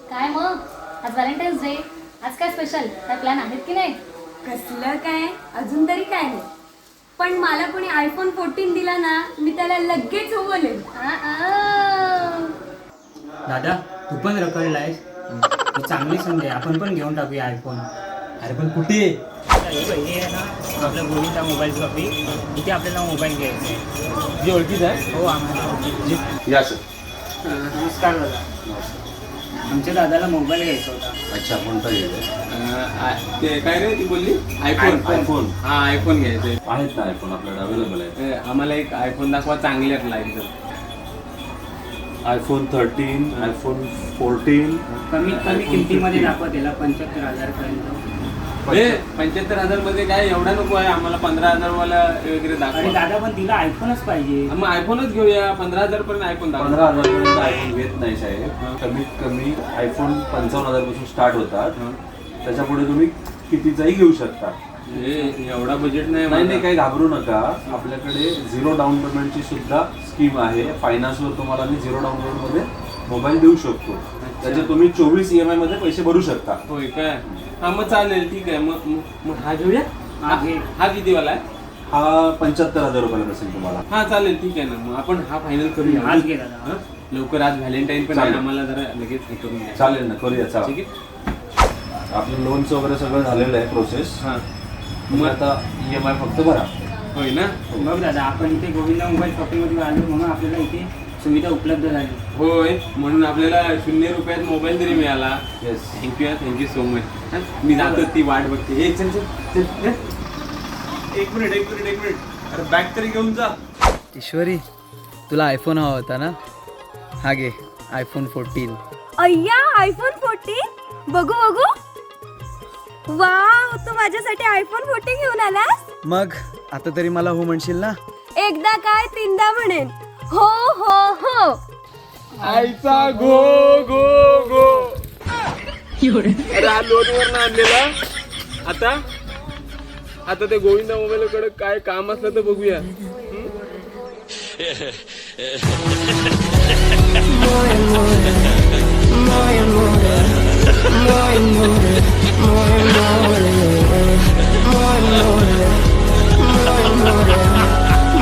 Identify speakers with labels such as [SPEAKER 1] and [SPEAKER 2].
[SPEAKER 1] काय मग आज व्हॅलेंटाईन्स डे, आज काय स्पेशल, काय प्लॅन आहेत की नाही?
[SPEAKER 2] कसलं काय, अजून तरी काय नाही. पण मला कोणी आयफोन 14 दिला ना, मी त्याला लगेच बोलेन.
[SPEAKER 3] दादा तू पण रखडलायस. ही चांगली संधी आहे, आपण पण घेऊन टाकूया आयफोन.
[SPEAKER 4] अरे पण कुठे
[SPEAKER 3] हे आहे ना आपल्या गोविंदा मोबाईल शॉपी, इथे आपल्याला मोबाईल घ्यायचा आहे.
[SPEAKER 4] जी ओळखीच आहे?
[SPEAKER 3] हो आम्हाला ओळखीचं.
[SPEAKER 4] या सर.
[SPEAKER 3] नमस्कार दादा, आमच्या दादाला मोबाईल घ्यायचा होता.
[SPEAKER 4] अच्छा, कोणता घ्यायचा?
[SPEAKER 5] ते काय रे ती बोलली आयफोन.
[SPEAKER 4] आयफोन
[SPEAKER 5] हा आयफोन घ्यायचंय.
[SPEAKER 4] आहेत ना आयफोन आपल्याकडे अवेलेबल आहे.
[SPEAKER 5] आम्हाला एक आयफोन दाखवा चांगल्यातला एकदम.
[SPEAKER 4] IPhone 13, iPhone 14.
[SPEAKER 3] कमीत कमी
[SPEAKER 4] iPhone
[SPEAKER 3] किमतीमध्ये
[SPEAKER 4] 15.
[SPEAKER 3] दाखवा त्याला 75,000 पर्यंत.
[SPEAKER 5] 75,000 मध्ये काय एवढा नको आहे आम्हाला. 15,000 वाला वगैरे
[SPEAKER 3] अरे
[SPEAKER 5] दाखवा.
[SPEAKER 3] दादा पण तिला आयफोनच पाहिजे.
[SPEAKER 5] मग आयफोनच घेऊया. 15,000 पर्यंत आयफोन दाखवा.
[SPEAKER 4] 15,000 पर्यंत आयफोन घेत नाही साहेब. कमीत कमी आयफोन 55,000 पासून स्टार्ट होतात. त्याच्या पुढे तुम्ही कितीचाही घेऊ शकता.
[SPEAKER 5] एवढा बजेट नाही
[SPEAKER 4] नाही
[SPEAKER 5] माझं.
[SPEAKER 4] काही घाबरू नका. आपल्याकडे झिरो डाऊन पेमेंटची सुद्धा स्कीम आहे. फायनान्सवर तुम्हाला मी झिरो डाऊन पेमेंटमध्ये मोबाईल देऊ शकतो. त्याचे तुम्ही 24 EMI मध्ये पैसे भरू शकता.
[SPEAKER 5] होय काय? हा मग चालेल, ठीक आहे. मग हा घेऊया.
[SPEAKER 3] हा घे.
[SPEAKER 5] हा किती वाला आहे?
[SPEAKER 4] हा 75,000 रुपयाला बसेल तुम्हाला.
[SPEAKER 5] हा चालेल, ठीक आहे ना. मग आपण हा फायनल करूया.
[SPEAKER 3] आज घे दादा.
[SPEAKER 5] हा? लवकर आज व्हॅलेंटाईन पण आहे,
[SPEAKER 4] चालेल.
[SPEAKER 5] आम्हाला जरा लगेच हे करून द्या.
[SPEAKER 4] चालेल ना, करूया. चला,
[SPEAKER 5] ठीक आहे.
[SPEAKER 4] आपलं लोनचं वगैरे सगळं झालेलं आहे प्रोसेस.
[SPEAKER 5] हा
[SPEAKER 4] मग आता EMI फक्त भरा.
[SPEAKER 5] होय ना.
[SPEAKER 3] बघ दादा, आपण इथे गोविंदा मोबाईल शॉपिंगमध्ये आलो म्हणून आपल्याला इथे सुविधा उपलब्ध झाली.
[SPEAKER 5] होय, म्हणून आपल्याला 0 रुपयात मोबाईल तरी मिळाला.
[SPEAKER 4] येस.
[SPEAKER 5] Thank you so much. मी जातो, ती वाट बघते. हे चल चल चल. एक मिनिट. अरे बॅग तरी घेऊन जा.
[SPEAKER 6] ईश्वरी, तुला आयफोन हवा होता ना? हा घे आयफोन 14.
[SPEAKER 2] अय्या, आयफोन 14 बघू. वाव, तू माझ्यासाठी आयफोन 14 घेऊन आलास?
[SPEAKER 6] मग आता तरी मला हो म्हणशील ना?
[SPEAKER 2] एकदा काय तीनदा म्हणेन. हो हो हो.
[SPEAKER 5] आईचा गो गो गो. अरे हा लोनवर ना आणलेला. आता ते गोविंदा मोबाईल कडे काय काम असलं तर बघूया.
[SPEAKER 7] more and more